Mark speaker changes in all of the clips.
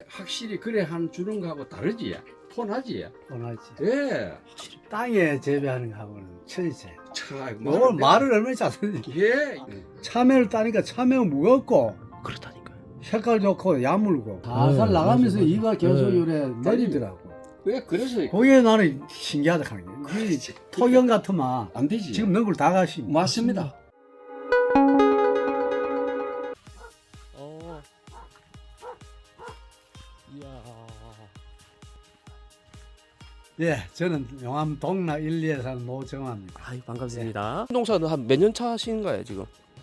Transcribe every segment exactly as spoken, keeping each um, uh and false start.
Speaker 1: 확실히 그래 한 주는 거하고 다르지. 톤하지.
Speaker 2: 원하지.
Speaker 1: 예.
Speaker 2: 땅에 재배하는 거하고는 천이세.
Speaker 1: 차,
Speaker 2: 오늘 말을 얼마나 잘하는지.
Speaker 1: 예.
Speaker 2: 참외를 따니까 참외가 무겁고
Speaker 3: 그렇다니까요.
Speaker 2: 색깔 좋고 야물고 살살
Speaker 3: 네,
Speaker 2: 나가면서
Speaker 3: 맞아, 맞아.
Speaker 2: 이가 계속
Speaker 3: 네.
Speaker 2: 요래 내리더라고.
Speaker 1: 왜 그래서
Speaker 2: 그게 나는 신기하다 하는 게.
Speaker 1: 그렇지.
Speaker 2: 토경 같으면
Speaker 1: 안 되지.
Speaker 2: 지금 넌 걸 다 가시.
Speaker 1: 맞습니다.
Speaker 3: 어. 이야.
Speaker 2: 예, 저는 용암 동락 일, 이에 사는 노정화입니다.
Speaker 3: 아유 반갑습니다. 농사는 한 몇 년 차신가요 지금?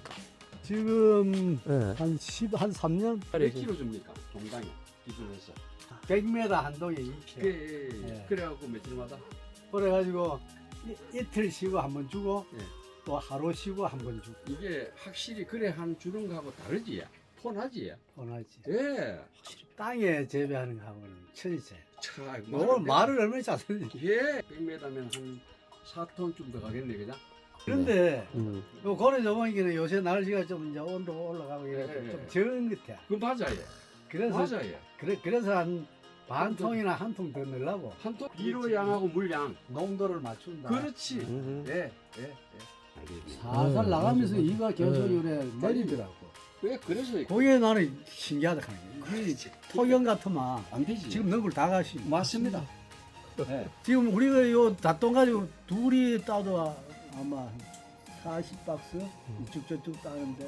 Speaker 2: 지금
Speaker 3: 네.
Speaker 2: 한 십, 한 삼 년?
Speaker 1: 몇 킬로 줍니까? 동당에 기준해서.
Speaker 2: 백 미터 한 동에 이 킬로그램.
Speaker 1: 그
Speaker 2: 예.
Speaker 1: 그래갖고 며칠마다.
Speaker 2: 그래가지고 이, 이틀 쉬고 한 번 주고
Speaker 1: 예.
Speaker 2: 또 하루 쉬고 한 번 주고
Speaker 1: 이게 확실히 그래 한 주는 거하고 다르지. 톤하지.
Speaker 2: 원하지.
Speaker 1: 예.
Speaker 2: 땅에 재배하는 거하고는 천이세.
Speaker 1: 차,
Speaker 2: 오늘 말을 얼마나 잘하는지.
Speaker 1: 예. 백 미터면 한 사 톤쯤 더 가겠네, 그죠?
Speaker 2: 그런데
Speaker 3: 음.
Speaker 2: 요 고래 저번에는 요새 날씨가 좀 이제 온도 올라가고 이래
Speaker 1: 예, 예.
Speaker 2: 좀 적은 것 같아.
Speaker 1: 그 맞아요.
Speaker 2: 그래서
Speaker 1: 맞아요.
Speaker 2: 그래 그래서 한 반 통이나 한 통 더 넣으려고
Speaker 1: 한 톤 비료 양하고 물 양.
Speaker 2: 농도를 맞춘다.
Speaker 1: 그렇지.
Speaker 3: 음.
Speaker 1: 예, 예, 예.
Speaker 2: 살살
Speaker 3: 네,
Speaker 2: 나가면서
Speaker 3: 맞아, 맞아.
Speaker 2: 이가 계속
Speaker 3: 네.
Speaker 2: 요래 내리더라고.
Speaker 1: 왜 그래서
Speaker 2: 그게 나는 신기하다 하는 게.
Speaker 1: 그렇지.
Speaker 2: 토경 같으면
Speaker 1: 안 되지.
Speaker 2: 지금 넣은 걸 다 가시.
Speaker 1: 맞습니다. 예.
Speaker 2: 지금 우리가 요 닷돈 가지고 둘이 따도 아마 사십 박스 이쪽 저쪽 따는데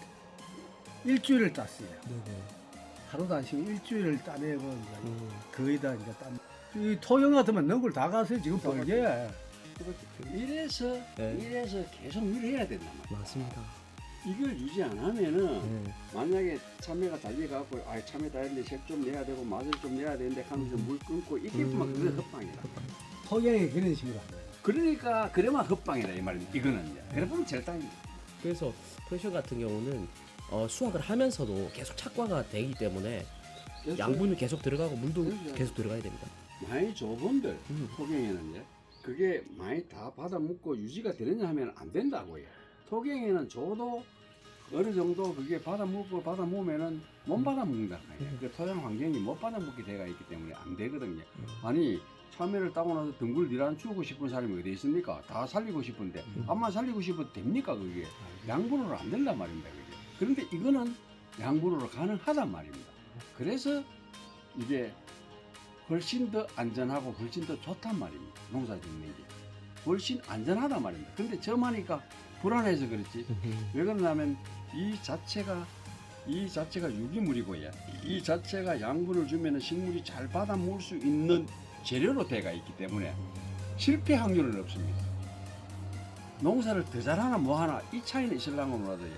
Speaker 2: 일주일을 땄어요.
Speaker 3: 네네.
Speaker 2: 하루도 안 쉬고 일주일을 따내고 이제
Speaker 3: 음.
Speaker 2: 거의 다 이제 딴. 이 토경 같으면 넣은 걸 다 가서 지금 벌게.
Speaker 1: 이래서
Speaker 3: 네.
Speaker 1: 이래서 계속 일해야 된단 말이야.
Speaker 3: 맞습니다.
Speaker 1: 이걸 유지 안 하면은
Speaker 3: 네.
Speaker 1: 만약에 참외가 달려가고 아 참외 달리는데 색 좀 내야 되고 맛을 좀 내야 되는데 하면서 물 끊고 이게 막
Speaker 3: 음.
Speaker 1: 그게 헛방이다.
Speaker 2: 토경이 그런 식으로 하는 거예요.
Speaker 1: 그러니까 그래만 헛방이다 이 말입니다. 이거는 이제 그래 보면 제일 땅입니다.
Speaker 3: 그래서 프레셔 같은 경우는 어, 수확을 하면서도 계속 착과가 되기 때문에 양분이 계속 들어가고 물도
Speaker 1: 그렇죠.
Speaker 3: 계속 들어가야 됩니다.
Speaker 1: 많이 좁은들
Speaker 3: 음.
Speaker 1: 토경에는 이제 그게 많이 다 받아 먹고 유지가 되느냐 하면 안 된다고요. 토경에는 저도 어느 정도 그게 받아 먹고 받아 먹으면은 못 받아 먹는다.
Speaker 3: 음.
Speaker 1: 그 토양 환경이 못 받아 먹게 돼가 있기 때문에 안 되거든요. 아니 참외를 따고 나서 등굴 니란 주고 싶은 사람이 어디 있습니까? 다 살리고 싶은데
Speaker 3: 음.
Speaker 1: 암만 살리고 싶어도 됩니까 그게? 양분으로 안 된단 말입니다. 그게. 그런데 이거는 양분으로 가능하단 말입니다. 그래서 이게 훨씬 더 안전하고 훨씬 더 좋단 말입니다. 농사 짓는 게 훨씬 안전하단 말입니다. 근데 저만이니까 불안해서 그렇지. 왜 그러냐면 이 자체가 이 자체가 유기물이고요. 이 자체가 양분을 주면은 식물이 잘 받아 먹을 수 있는 재료로 돼가 있기 때문에 실패 확률은 없습니다. 농사를 더 잘하나 뭐하나 이 차이는 있으려면 몰라도요.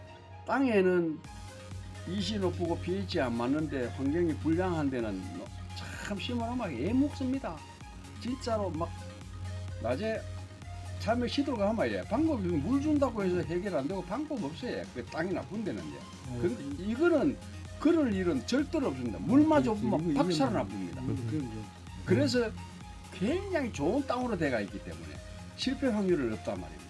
Speaker 1: 땅에는 이시 높고 pH 안 맞는데 환경이 불량한 데는 참 심오하게 애 먹습니다. 진짜로 막 낮에 참외 시들어가 말이야. 방법이 물 준다고 해서 해결 안 되고 방법 없어요. 그 땅이 나쁜 데는요. 근데 이거는 그럴 일은 절대로 없습니다. 물마저 없으면 박살 나쁩니다. 그래서 굉장히 좋은 땅으로 돼가 있기 때문에 실패 확률은 없단 말입니다.